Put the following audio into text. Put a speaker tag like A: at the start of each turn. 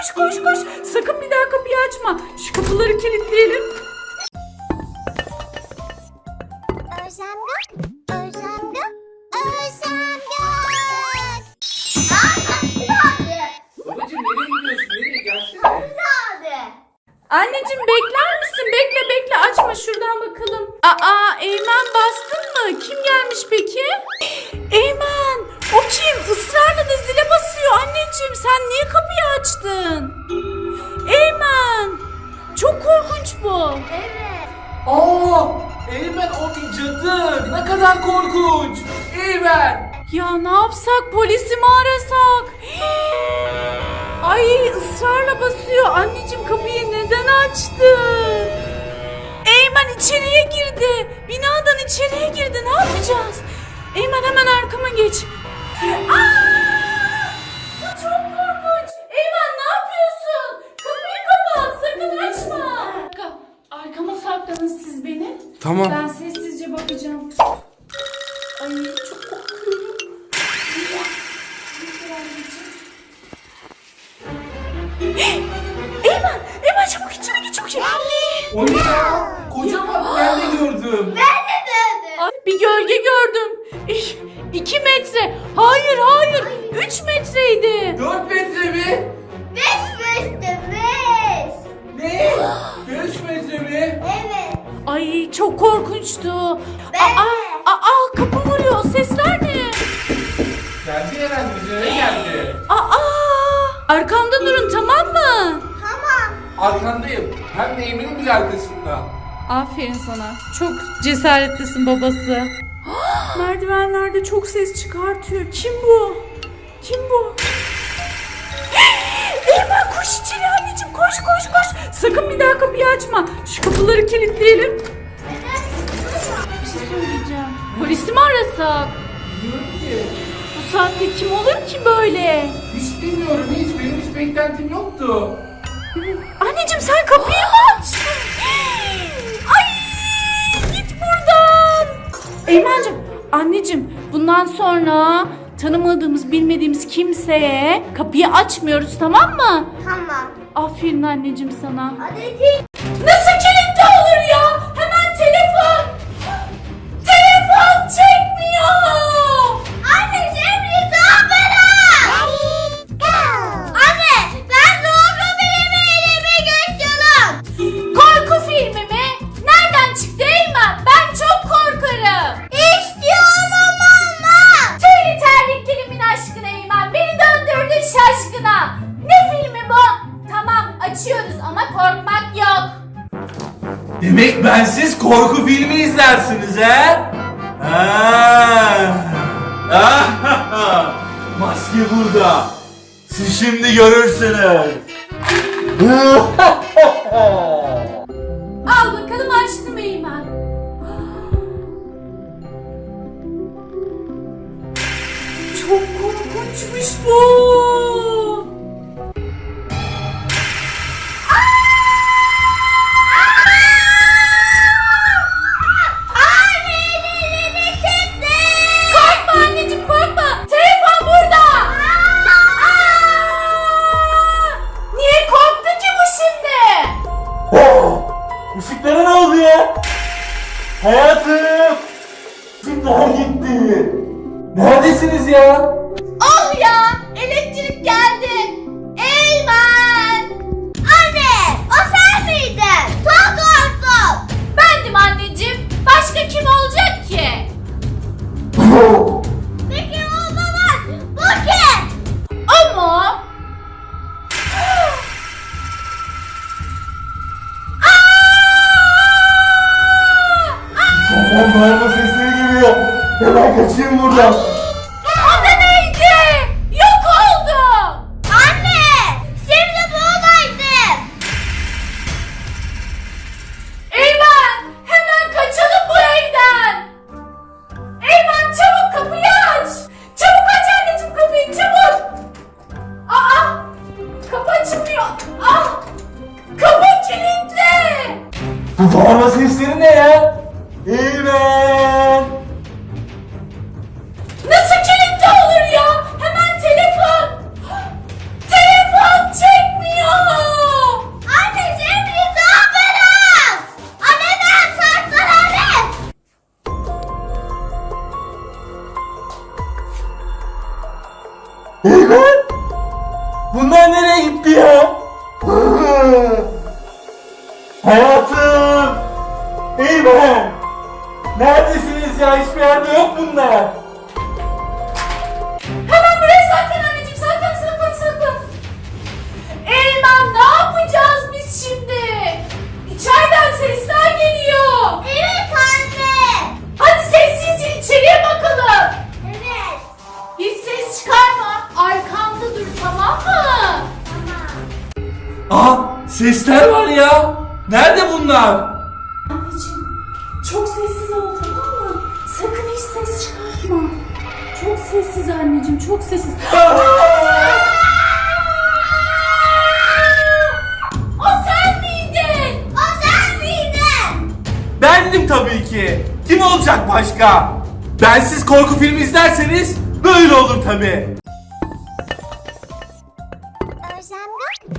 A: koş koş koş. Sakın bir daha kapıyı açma. Şu kapıları kilitleyelim.
B: Özlem Gök, Özlem Gök, Özlem Gök.
C: Babacım nereye gidiyorsun? Nereye? Gelsene.
A: Anneciğim bekler misin? Bekle açma, şuradan bakalım. Aa, Eymen bastın mı? Kim gelmiş peki? Eymen, o kim? Israrla da zile basıyor. Anneciğim sen niye kapıyı açtın? Eymen, çok korkunç bu.
B: Evet.
C: Aa! Eymen o bir cadı. Ne kadar korkunç. Eymen.
A: Ya ne yapsak, polisi mi arasak? Ay, ısrarla basıyor. Anneciğim kapıyı neden açtın? Eymen içeriye girdi. Binadan içeriye girdi. Ne yapacağız? Eymen hemen arkama geç. Bu çok korkunç. Eymen ne yapıyorsun? Kapıyı kapat. Sakın açma. Arkama saklanın siz beni.
C: Tamam.
A: Ben sessizce bakacağım. Ay çok korkuyorum. Eymen çabuk içeri git, çok şey.
C: O ne ya? Kocaman ben de gördüm.
A: Ay, bir gölge gördüm. 2 metre. Hayır. 3 metreydi.
C: 4 metre mi?
B: 5 metre 5.
C: Ne? 5 metre mi?
B: Evet.
A: Ay çok korkunçtu.
B: Ben
A: Kapı vuruyor. Sesler ne?
C: Geldi herhalde üzerine geldi.
A: Arkamda durun, tamam mı?
B: Tamam.
C: Arkandayım. Hem de Eymen'in bile arkasında.
A: Aferin sana. Çok cesaretlisin babası. Merdivenlerde çok ses çıkartıyor. Kim bu? Eymen koş içeri anneciğim. Koş. Sakın bir daha kapıyı açma. Şu kapıları kilitleyelim. Bir şey söyleyeceğim. Polisi mi arasak?
C: Bilmiyorum ki.
A: Bu saatte kim olur ki böyle?
C: Hiç bilmiyorum hiç. Benim hiç beklentim yoktu.
A: Anneciğim sen kapıyı mı açtın? Ay git buradan. Eymen'cim, anneciğim bundan sonra tanımadığımız bilmediğimiz kimseye kapıyı açmıyoruz, tamam mı?
B: Tamam.
A: Aferin anneciğim sana.
B: Hadi git.
A: Nasıl kilitli olur ya? Hemen telefon. Telefon çekmiyor.
B: Anne şimdi doğru. Anne ben doğru bilmeyi geçiyorum.
A: Korku filmi mi? Nereden çıktı Eymen? Ben çok korkarım.
B: İstiyorum ama.
A: Tüylü terliklerimin aşkına Eymen. Beni döndürdün şaşkına. Ne filmi bu? Tamam açıyoruz ama korkmak yok.
C: Demek bensiz korku filmi izlersiniz he? Maske burada. Siz şimdi görürsünüz.
A: Al bakalım, açtım Eymen. Çok korkunçmuş bu. Korkma anneciğim, korkma. Telefon burada. Niye korktu ki bu şimdi?
C: Işıklara ne oldu ya? Hayatım! Işıklar gitti. Neredesiniz ya?
A: Oh ya, elektrik geldi. Eymen.
B: Anne o sen miydin? Çok korktum.
A: Bendim anneciğim. Başka kim olacak ki?
B: Peki o zaman bu kim?
A: O mu?
C: Tamam bağırma sesleri geliyor. Hemen kaçayım buradan.
A: O da neydi? Yok oldu.
B: Anne şimdi buradaydım.
A: Eymen, hemen kaçalım bu evden. Eymen çabuk kapıyı aç. Çabuk aç anneciğim kapıyı, çabuk. Kapı açılmıyor. Kapı kilitli.
C: Bu bağırma sesleri ne ya? Eymen!
A: Nasıl kilitli olur ya? Hemen telefon. Telefon çekmiyor.
C: Eymen! Bunlar nereye gitti ya? Hayatım! Eymen! Neredesiniz ya? Hiçbir yerde yok bunlar.
A: Hemen buraya saklan anneciğim. Saklan. Eymen ne yapacağız biz şimdi? İçeriden sesler geliyor.
B: Evet anne.
A: Hadi sessizce içeriye bakalım.
B: Evet.
A: Hiç ses çıkarma. Arkamda dur, tamam mı?
B: Tamam.
C: Aa, sesler var ya. Nerede bunlar?
A: Anneciğim çok sessiz ol, tamam mı? Sakın hiç ses çıkartma. Çok sessiz anneciğim, çok sessiz. O sen miydin?
B: O sen miydin?
C: Bendim tabii ki. Kim olacak başka? Bensiz korku filmi izlerseniz böyle olur tabii.
B: Özlem